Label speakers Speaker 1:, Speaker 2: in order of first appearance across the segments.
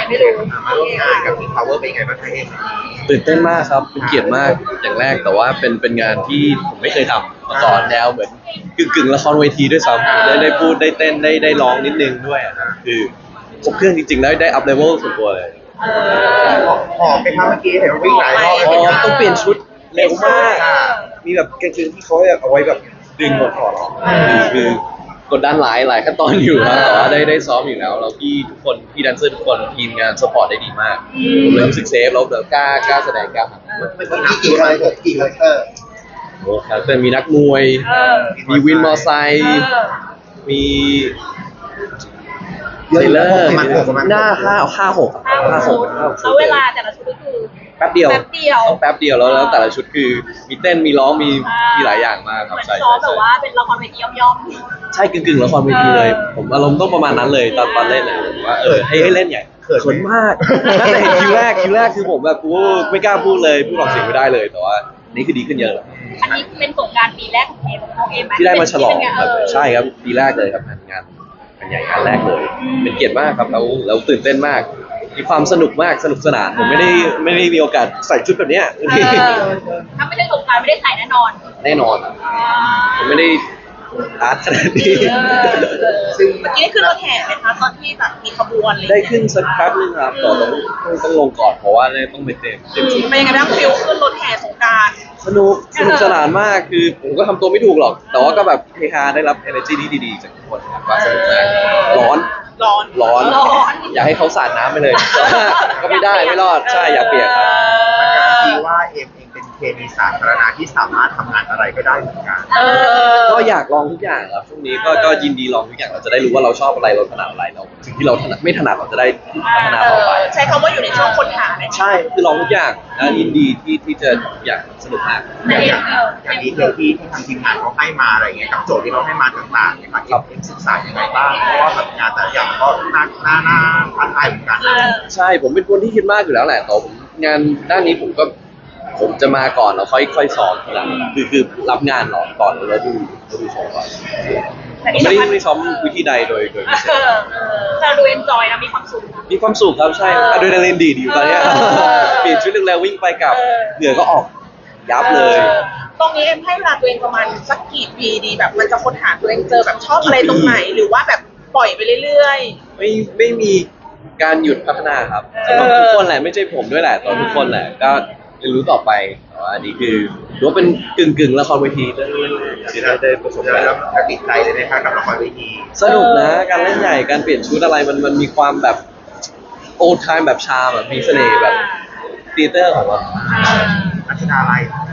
Speaker 1: ไม่รู้
Speaker 2: มาร่วมงานกับ King Power เป็นไงบ้างคะเอ็ม
Speaker 3: ตื่นเต้นมากครับเป็นเกียรติมากอย่างแรกแต่ว่าเป็นงานที่ผมไม่เคยทำมาก่อนแนวเหมือนกึ่งละครเวทีด้วยซ้ำได้พูดได้เต้นได้ร้องนิดนึงด้วยคือครบเครื่องจริงๆแล้วได้อัพเลเวลส่วนตัวเลย
Speaker 2: หอมไปครับเมื่อกี้เห็นว่าวิ่งหลายรอบ
Speaker 3: ต้องเปลี่ยนชุดเร็วมากมีแบบกางเกงที่เขาเอาไว้แบบดึงหมดถอดออกคือกดดันหลายขั้นตอนอยู่ครับแต่ว่าได้ซ้อมอยู่แล้วแล้วพี่ทุกคนพี่แดนเซอร์ทุกคนทีมงานสปอร์ตได้ดีมากผมเลยรู้สึกเซฟแล้วกล้าแสดงกล้าทำ
Speaker 2: กี่คาแรคเตอร์กี่คาแรคเตอร์
Speaker 3: โอ้ครับแต่มีนักมวยมีวินมอไซค์มีเซเลอร์หน้า5-6
Speaker 1: แล้วเวลาแต่ละชุดก็คือ
Speaker 3: แป๊บเดียวต้องแป๊บเดียวแล้วแต่ละชุดคือมีเต้นมีร้องมีหลายอย่างมากครับ
Speaker 1: ใช่ซ้อมแบบว่าเป็นละครเวทีย่อม
Speaker 3: ใช่กึ่งละครเวทีเลยผมอารมณ์ต้องประมาณนั้นเลยตอนเล่นเลยว่าให้เล่นใหญ่เขินมากแต่เห็นคิวแรกคือผมแบบไม่กล้าพูดเลยพูดออกเสียงไม่ได้เลยแต่ว่านี่คือดีขึ้นเยอะ
Speaker 1: อันนี้เป็นสงกรานต์ปีแรกของเอ็ม
Speaker 3: ที่ได้มาฉลองครับใช่ครับปีแรกเลยครับงานใหญ่งานแรกเลยเป็นเกียรติมากครับแล้วตื่นเต้นมากมีความสนุกมากสนุกสนานผมไม่ได้มีโอกาสใส่ชุดแบบเนี้ย
Speaker 1: ถ้าไม่ได้สงกรานต์ไม่ได้ใส่แน่นอน
Speaker 3: ผมไม่ได้อาร์ตขนาดนี้
Speaker 1: ซึ่งเมื่อกี้ได้ขึ้นรถแห่ไหมคะตอนที่แบบมีขบวนเลย
Speaker 3: ได้ขึ้นสักพักนึงครับต่อต้องลงก่อนเพราะว่าต้องไปเต็ม
Speaker 1: ชุดเป็นยังไงบ้างฟิลขึ้นรถแห่สงกรานต์
Speaker 3: สนุกสนานมากคือผมก็ทำตัวไม่ถูกหรอกแต่ว่าก็แบบเฮฮาได้รับ energy ที่ดีๆจากทุกคนครับว่าสนุกมากร้อนอยากให้เขาสาดน้ำไปเลยก็ไม่ได้ไม่รอดใช่อยากเปียกครับ
Speaker 2: มันการันตีว่าเอ็มเองเป็นเคมีสาธารณะที่สามารถทำงานอะไรก็ได้เหมือนกัน
Speaker 3: ก็อยากลองทุกอย่างครับช่วงนี้ก็ยินดีลองทุกอย่างเราจะได้รู้ว่าเราชอบอะไรเราถนัดอะไรเราสิ่งที่เราถนัดไม่ถนัดเราจะได้พัฒนาต่อไป
Speaker 1: ใช้คำว่าอยู่ในช่วงค้นหา
Speaker 3: ใช่คือลองทุกอย่างนะยินดีที่จะอยากสนุกมาก
Speaker 2: อย่างดีเทลที่ทางทีมงานเขาให้มาอะไรเงี้ยกับโจทย์ที่เขาให้มาต่างๆเนี่ยครับเอ็มศึกษาอย่างไรบ้างเพราะว่าแบบงานแต่ละอย่างก็น่าท้าทายเหมือนกัน
Speaker 3: ใช่ผมเป็นคนที่คิดมากอยู่แล้วแหละแต่ผมงานด้านนี้ผมจะมาก่อนแล้วค่อยสอนทีหลังคือรับงานก่อนแล้วดูโชว์ก่อนไม่ได้ซ้อมวิธีใดโดยพิเศษ
Speaker 1: เราดูเอนจอยนะมีความสุข
Speaker 3: ครับใช่อะดรีนาลีนดีอยู่ตอนนี้เปลี่ยนชุดเร็วๆวิ่งไปกับเหงื่อก็ออกยับเลย
Speaker 1: ตรงนี้เอ็มให้เวลาตัวเองประมาณสักกี่ปีดีแบบมันจะค้นหาตัวเองเจอแบบชอบอะไรตรงไหนหรือว่าแบบปล่อยไปเรื่อย
Speaker 3: ๆไม่มีการหยุดพัฒนาครับสำหรับทุกคนแหละไม่ใช่ผมด้วยแหละตอนทุกคนแหละก็เรียนรู้ต่อไปแต่ว่าอันนี้คือรู้ว่าเป็นกึ่งละครเวทีได้ประสบการณ์
Speaker 2: แล้วติดใจเลยนะครับกับละครเวที
Speaker 3: สนุกนะการเล่นใหญ่การเปลี่ยนชุดอะไรมันมีความแบบโอลด์ไทม์แบบชาแบบมีเสน่ห์แบบธีเตอร์ของเรา
Speaker 2: นักแสดงอะไร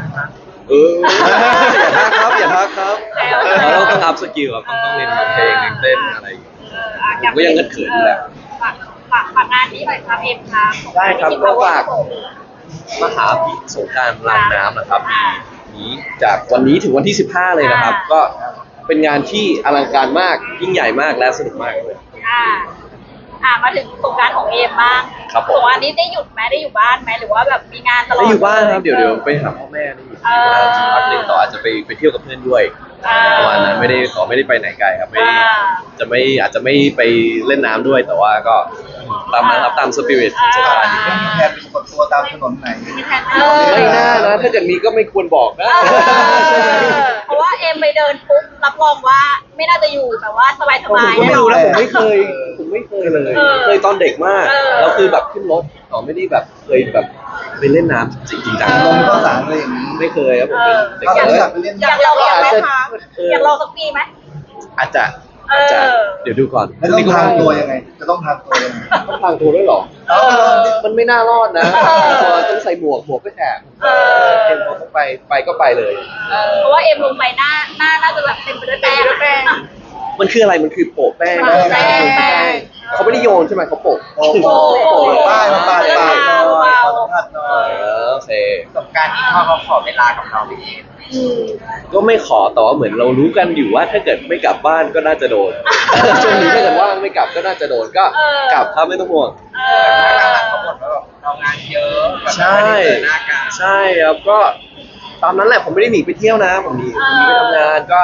Speaker 3: อย่าทักครับเราต้องอัพสกิลครับต้องเรียนเพลงเต้นอะไรผมก็ยังเขินอยู่แหละ
Speaker 1: ฝากงานนี้หน่อยครับเอ็มครับ
Speaker 3: ได้ครับก็ฝากมหาพิสงกรานต์รางน้ำนะครับนี้จากวันนี้ถึงวันที่15เลยนะครับก็เป็นงานที่อลังการมากยิ่งใหญ่มากและสนุกมากเลย
Speaker 1: มาถึงสงกรานต์ของเอ็มบ้าง
Speaker 3: ครับผม
Speaker 1: วันนี้ได้หยุดไหมได้อยู่บ้านไหมหรือว่าแบบมีงานตลอด
Speaker 3: ได้อยู่บ้านครับเดี๋ยวไปหาพ่อแม่ได้อยู่ที่บ้านสักพักนึงต่ออาจจะไปเที่ยวกับเพื่อนด้วยประมาณนั้นไม่ได้ไปไหนไกลครับอาจจะไม่ไปเล่นน้ำด้วยแต่ว่าก็ตามนั้นครับตามสปิริตของสงกรานต์
Speaker 2: มีแผนเป็นคนตัวตามถนนไหน
Speaker 3: ไม่น่านะถ้าเกิดมีก็ไม่ควรบอกนะ
Speaker 1: เพราะว่าเอ็มไปเดินปุ๊บรับรองว่าไม่น่าจะอยู่แบบว่าสบาย
Speaker 3: ผมก็ไม่รู้นะผมไม่เคยเลยเคยตอนเด็กมากแล้วคือแบบขึ้นรถไม่ได้แบบเคยแบบไปเล่นน้ำจริงจัง
Speaker 2: ลงก็สารอะไรอย่างนี้
Speaker 3: ไม่เคยครับผม
Speaker 1: อยากลองไหมคะอยากลองสักปีไหม
Speaker 3: อาจจะเดี๋ยวดูก่อน
Speaker 2: แล้วต้องทางตัวยังไงจะต้องทางตัวยังไง
Speaker 3: ต้องทางตัวด้วยหรอมันไม่น่ารอดนะต้องใส่หมวกก็แฉะเอ็มต้องไปก็ไปเลย
Speaker 1: เพราะว่าเอ็มลงไปหน้าน่าจะแบบเต็มไปด้วยแป้ง
Speaker 3: มันคืออะไรมันคือโปะแป้งเขาไม่ได้โยนใช่ไหมเขาโปะ
Speaker 2: ป้ายสัมผัสหน่อย
Speaker 3: โอเค
Speaker 2: สงกรานต์นี้เขาขอเวลากับเราไปเอง
Speaker 3: ก็ไม่ขอแต่ว่าเหมือนเรารู้กันอยู่ว่าถ้าเกิดไม่กลับบ้านก็น่าจะโดนช่วงนี้ถ้าเกิดว่างไม่กลับก็น่าจะโดนก็กลับครับไม่ต้องห่วง
Speaker 2: เขาบ่นว่าเรางานเยอะ
Speaker 3: ใช่ครับก็ตามนั้นแหละผมไม่ได้หนีไปเที่ยวนะผมหนีไปทำงานก็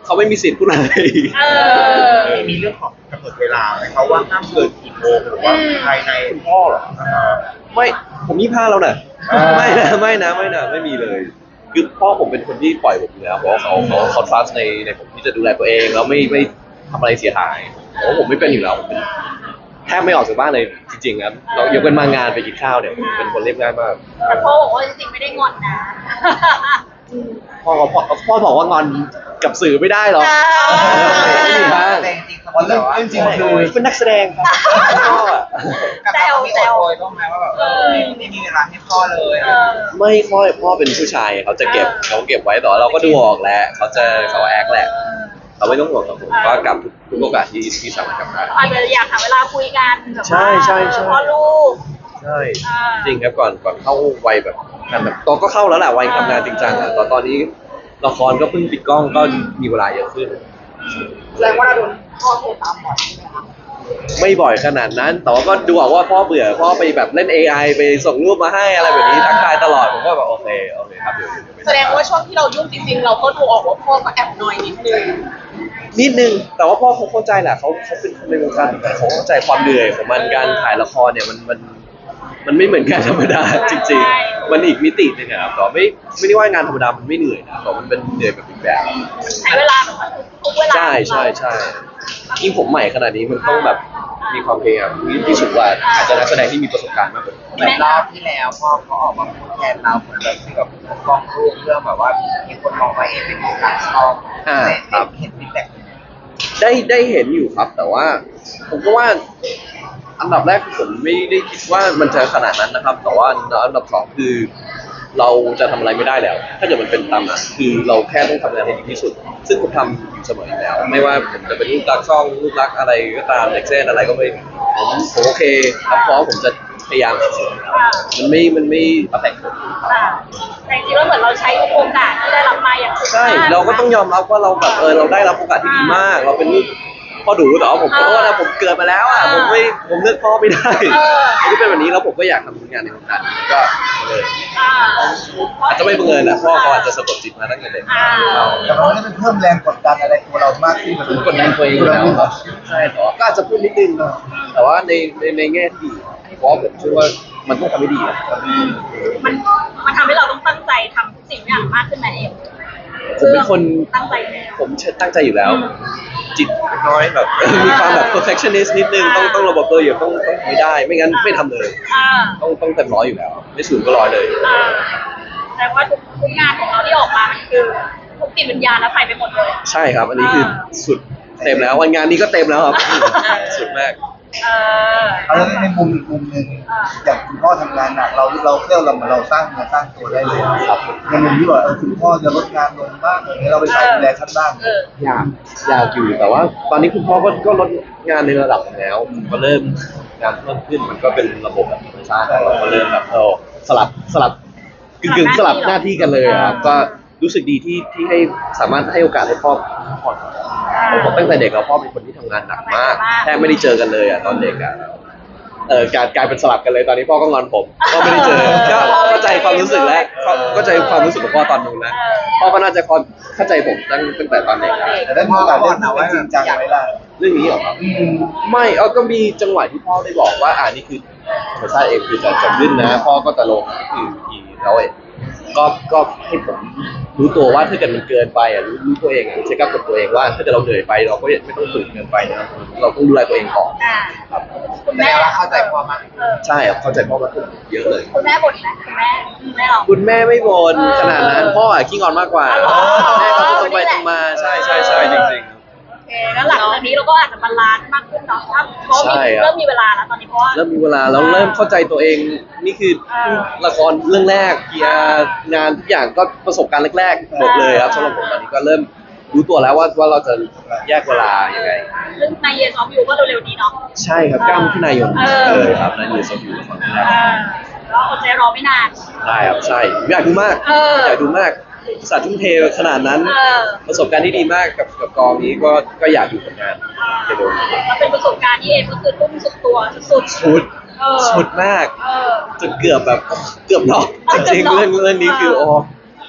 Speaker 3: เขาไม่มีสิทธิ์พูดอะไร
Speaker 1: เออ
Speaker 2: มีเรื่องของกำหนดเวลาไหมเขาว่าห้ามเกินกี่โมงหรือว่าภายใน
Speaker 3: คุณพ่อเหรอไม่ผม25แล้วนะไม่มีเลยคือพ่อผมเป็นคนที่ปล่อยผมอยู่แล้วเพราะว่าเขา trust ในผมที่จะดูแลตัวเองแล้วไม่ทำอะไรเสียหายเพราะว่าผมไม่เป็นอยู่แล้วผมแทบไม่ออกจากบ้านเลยจริงๆครับเรายกเป็นมางานไปกินข้าวเนี่ยผมเป็นคนเรียบง่ายมาก
Speaker 4: แต่พ่อบอกว่าจริงๆไม่ได้งอนนะ
Speaker 3: พ่อบอกว่างอนกับสื่อไม่ได้หรอกไม่มีทาง
Speaker 2: แต่จริงๆเรื่องจริงคือ
Speaker 3: เป็นนักแสดงครับพ่ออะ
Speaker 2: กับเราไม่อดโอยบ้างไหมว่าแบบไม่มีเวลาให้พ่อเลย
Speaker 3: ไม่ค่อยพ่อเป็นผู้ชายเขาจะเก็บไว้แต่ว่าเราก็ดูออกแหละเขาแอคแหละเราไม่ต้องห่วงกับผมก็กลับทุกโอกาสที่สามารถกลับได้
Speaker 4: อาจจะอยากหาเวลาคุยกันแบบว่า
Speaker 3: ใช่
Speaker 4: พ่อลูก
Speaker 3: ใช่จริงครับก่อนเข้าวัยแบบกันแบบตอนก็เข้าแล้วแหละวัยทำงานจริงจังอ่ะตอนนี้ละครก็เพิ่งปิดกล้องก็มีเวลาเยอะขึ้น
Speaker 1: แสดงว่าเราโดนพ่อโทรตามบ่อยใช่ไหมคะ
Speaker 3: ไม่บ่อยขนาดนั้น แต่ว่าก็ดูออกว่าพ่อเบื่อพ่อไปแบบเล่น AI ไปส่งรูปมาให้อะไรแบบนี้ทักทายตลอดผมก็แบบโอเคครับเดี๋ยวไป
Speaker 1: แสดงว่าช่วงที่เรายุ่งจริงๆเราก็ดูออกว่าพ่อก็แอบหน่อยนิดนึง
Speaker 3: นิดนึงแต่ว่าพ่อเขาเข้าใจแหละเขาเป็นคนในวงการเหมือนกันเขาเข้าใจความเหนื่อยของมันการถ่ายละครเนี่ยมันไม่เหมือนงานธรรมดาจริงๆมันอีกมิติหนึงอะครับแต่ไม่ได้ว่างานธรรมดามันไม่เหนื่อยนะแต่มันเป็นเหนื่อยแบบอีกแบบ
Speaker 4: ใช้เวลาแบบว่าทุกเวลา
Speaker 3: ใช่ยิ่งผมใหม่ขนาดนี้มันต้องแบบมีความพยายามที่สุดกว่าอาจจะนักแสดงที่มีประสบการณ์มากกว่า
Speaker 2: เหมือนรอบที่แล้วพ่อเขาออกมาพูดแทนเราเหมือนแบบที่แบบปกป้องลูกเรื่องแบบว่ามีคนมองว่าเป็นของต่างชอบเห็นฟีดแบ็ก
Speaker 3: ได้เห็นอยู่ครับ แต่ว่าผมก็ว่าอันดับแรกคือผมไม่ได้คิดว่ามันจะขนาดนั้นนะครับ แต่ว่าอันดับสองคือเราจะทำอะไรไม่ได้แล้ว ถ้าเกิดมันเป็นตามนั้นคือเราแค่ต้องทำงานให้ดีที่สุด ซึ่งผมทำอยู่เสมออยู่แล้ว ไม่ว่าผมจะเป็นลูกรักช่องลูกรักอะไรก็ตามเด็กเส้นอะไรก็ไม่ผมโอเคครับเพราะผมจะพยายามสุดๆมันไม่affectผม
Speaker 4: แต่จริงๆแล้วเหมือนเราใช้ทุกโอกาสที่ได้รับมาอย่างถูก
Speaker 3: ใช่เราก็ต้องยอมรับว่าเราแบบเราได้รับโอกาสที่ดีมาก เราเป็นลูกพ่อดูแต่ว่าผมขอโทษนะผมเกิดมาแล้วอ่ะผมเลือกพ่อไม่ได้ที่เป็นแบบนี้แล้วผมก็อยากทำงานในวงการนี้ก็เลยอาจจะไม่บังเอิญนะพ่อเขาอาจจะสะกดจิตมาตั้งแต่เด็ก
Speaker 2: แต่มันไม่ได้เป็นเพิ่มแรงกดดันอะไรตัวเรามากขึ้น
Speaker 3: ผมกดดันตัวเองอยู่แล้วครับใช่แต่ว่าก็อาจจะพูดนิดนึงแต่ว่าในแง่ที่ดีเพราะผมเชื่อว่ามันต้องทำให้ดีนะ
Speaker 4: มันทำให้เราต้องตั้งใจทำทุกสิ่งอย่างมากขึ้นมาเอง
Speaker 3: ผมเป็นคน
Speaker 4: ตั้งใจแล้ว
Speaker 3: ผมตั้งใจอยู่แล้ว จิตน้อยแบบมีความแบบ perfectionist นิดนึงต้องระบบตัวอยู่ต้องไม่ได้ไม่งั้นไม่ทำเลย ต้องเต็มร้อยอยู่แล้ว ไม่ศูนย์ก็ร้อยเลย
Speaker 4: แต่ว่าทุกงานของเราที่ออกมามันคือทุกจิตวิญญาณแล้วใส่ไปหมดเลย
Speaker 3: ใช่ครับ อันนี้คือสุดเต็มแล้ววันงานนี้ก็เต็มแล้วครับสุดมาก
Speaker 2: เอาแล้วในมุมอีกมุมหนึ่งอย่างคุณพ่อทำงานหนักเราเที่ยวเราสร้างเงินสร้างตัวได้เลยครับในมุมที่ว่าคุณพ่อจะลดงานลงบ้างอย่างเงี้ยเราไปใส่ดูแลท่านบ้าง
Speaker 3: อยากอยู่แต่ว่า ตอนนี้คุณพ่อก็ลดงานในระดับหนึ่งแล้วผมก็เริ่มงานเพิ่มขึ้นมันก็เป็นระบบแบบธรรมชาติเราก็เริ่มแบบสลับกึ่งสลับหน้าที่กันเลยครับก็รู้สึกดีที่ให้สามารถให้โอกาสให้พ่อพักผ่อนผมตั้งแต่เด็กแล้วพ่อเป็นคนที่ทำงานหนักมากแทบไม่ได้เจอกันเลยตอนเด็กกลายเป็นสลับกันเลยตอนนี้พ่อก็งอนผมก็ไม่ได้เจอก็เข้าใจความรู้สึกแล้วเข้าใจความรู้สึกของพ่อตอนนู้นนะพ่อก็น่าจะเข้าใจผมตั้งแต่ตอนเด็ก
Speaker 2: แต่ได้มีโอกาสเล่นเป็นจริงจังไหมล่ะ
Speaker 3: เรื่องนี้เหรอครับไม่ก็มีจังหวะที่พ่อได้บอกว่านี่คือธรรมชาติเองคือจะขึ้นนะพ่อก็จะลงนี่คือทีแล้วก็ให้ผมรู้ตัวว่าถ้าเกิดมันเกินไปรู้ตัวเองเช็คอัพกับตัวเองว่าถ้าเกิดเราเหนื่อยไปเราก็ไม่ต้องฝืนเกินไปนะเราต้องดูแลตัวเองก่อนครับ
Speaker 4: คุณแม่เข้าใจพ่อมาก
Speaker 3: ใช่ครับเข้าใจพ่อมากขึ้นเยอะเลย
Speaker 4: คุณแม่บ่นไหมคุณแม่เรา
Speaker 3: คุณแม่ไม่บ่นขนาดนั้นพ่อขี้งอนมากกว่าแม่เขาตรงไปตรงมาใช่จริงๆ
Speaker 4: โอเคแล้วหลังจากนี้เราก็อาจจะบาลานซ์มากขึ้นเนาะเพราะเริ่มมีเวลาแล้วตอนนี้เพราะว่า
Speaker 3: เริ่มมีเวลาแล้วเริ่มเข้าใจตัวเองนี่คือละครเรื่องแรกเกียร์งานทุกอย่างก็ประสบการณ์แรกๆหมดเลยครับสำหรับผมตอนนี้ก็เริ่มรู้ตัวแล้วว่าเราจะแยกเวลายังไง
Speaker 4: ซึ่งในเยซอฟยูก็เร็วๆนี้เนาะ
Speaker 3: ใช่ครับ9 มิถุนายนเลยครับนั่นคือสกิลละครเรื่องแรก
Speaker 4: แล้วอดใจรอไม่นาน
Speaker 3: ได้ครับใช่อยากดูมากอยากดูมากศาสตร์ทุ่มเทขนาดนั้นประสบการณ์ที่ดีมากกับกองนี้ก็อยากอยู่กับงานเร็วๆนี้
Speaker 4: แล้วเป็นประสบการณ์ที่เอ็มก็คือทุ่มสุดตัวสุด
Speaker 3: สุดมากจนเกือบน็อกจริงๆเรื่องนี้คือ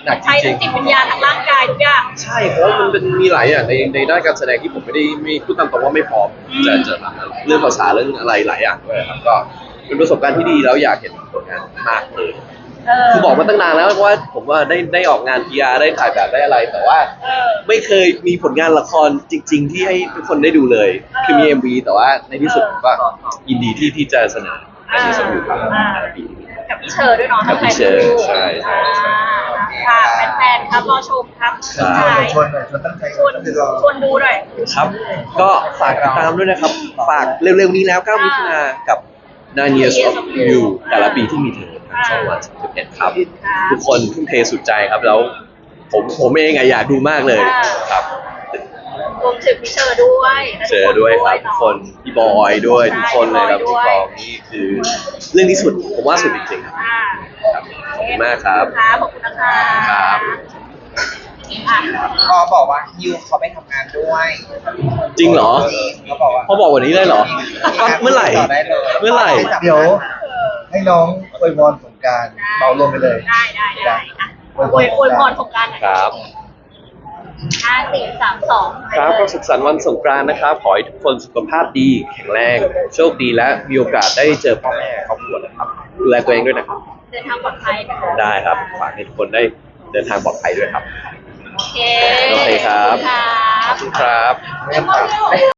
Speaker 3: หนักจ
Speaker 4: ใช้
Speaker 3: ริ
Speaker 4: ทั้
Speaker 3: ง
Speaker 4: งจิตวิญญาณทั้งร่างกายทุกอย่าง
Speaker 3: ๆใช่เพราะว่ามันเป็นมีหลายอย่างในด้านการแสดงที่ผมไม่พูดตามตรงว่าไม่พร้อมจะทำเรื่องภาษาเรื่องอะไรหลายอย่างด้วยครับก็เป็นประสบการณ์ที่ดีแล้วอยากเห็นผลงานมากเลยคือบอกมาตั้งนานแล้วว่าผมว่าได้ออกงาน PR ได้ถ่ายแบบได้อะไร แต่ว่าไม่เคยมีผลงานละครจริง ๆ ที่ให้ทุกคนได้ดูเลยคือมี MV แต่ว่าในที่สุดผมก็ยินดีที่จะเสนอในที่สุดอยู่ครับในปีนี้
Speaker 4: กับพี่เชอร์ด้วยเนาะ
Speaker 3: กับพี่เชอร์ใช่ใช่ใช่
Speaker 4: ค่ะแฟนๆครับรอชมครับ
Speaker 3: ใช่
Speaker 2: ชวนหน่อยชวนตั้งใจ
Speaker 4: ชวนดูหน่อย
Speaker 3: ครับ ก็ฝากติดตามด้วยนะครับ ฝากเร็วๆนี้แล้ว9มิถุนายนกับ 9 Years of You แต่ละปีที่มีเธอทางช่องวัน31ครับ ทุกคนทุ่มเทสุดใจครับแล้วผมเองอะอยากดูมากเลยครับ
Speaker 4: รวมถึงพี่เชอร์ด้วย
Speaker 3: เจอด้วยครับทุกคนพี่บอยด้วยทุกคนเลยครับพี่กองนี่คือเรื่องที่สุดผมว่าสุดจริงๆครับ ครับขอบคุณมากครับ
Speaker 4: ขอบคุณนะคะ
Speaker 3: ครับ
Speaker 5: ก็บอกว่าฮิวเขาไปทำงานด้วย
Speaker 3: จริงเหรอ
Speaker 5: เขาบอกว่า
Speaker 3: เขาบอกวันนี้เลยเหรอเมื่อไหร่
Speaker 5: ต่อได้เลย
Speaker 3: เมื่อไหร่
Speaker 2: เดี๋ยวให้น้องอวยพรสงกรารเบารวมไปเลย
Speaker 4: ได้อ่ะอวยพรสงกรานต์หน่อย
Speaker 3: ครับ
Speaker 4: 5 4 3 2
Speaker 3: ครับก็สุขสันต์วันสงกรานต์นะครับ ขอให้ทุกคนสุขภาพดีแข็งแรง โชคดีและมีโอกาสได้เจอพ่อแม่ครอบครัวนะครับดูแลตัวเองด้วยนะครับ
Speaker 4: เดินทางปลอดภัยนะคะ
Speaker 3: ได้ครับฝากให้ทุกคนได้เดินทางปลอดภัยด้วยครับ
Speaker 4: โอเค
Speaker 3: โอเคครับ
Speaker 4: ขอบคุณครับ
Speaker 3: ขอบคุณครับ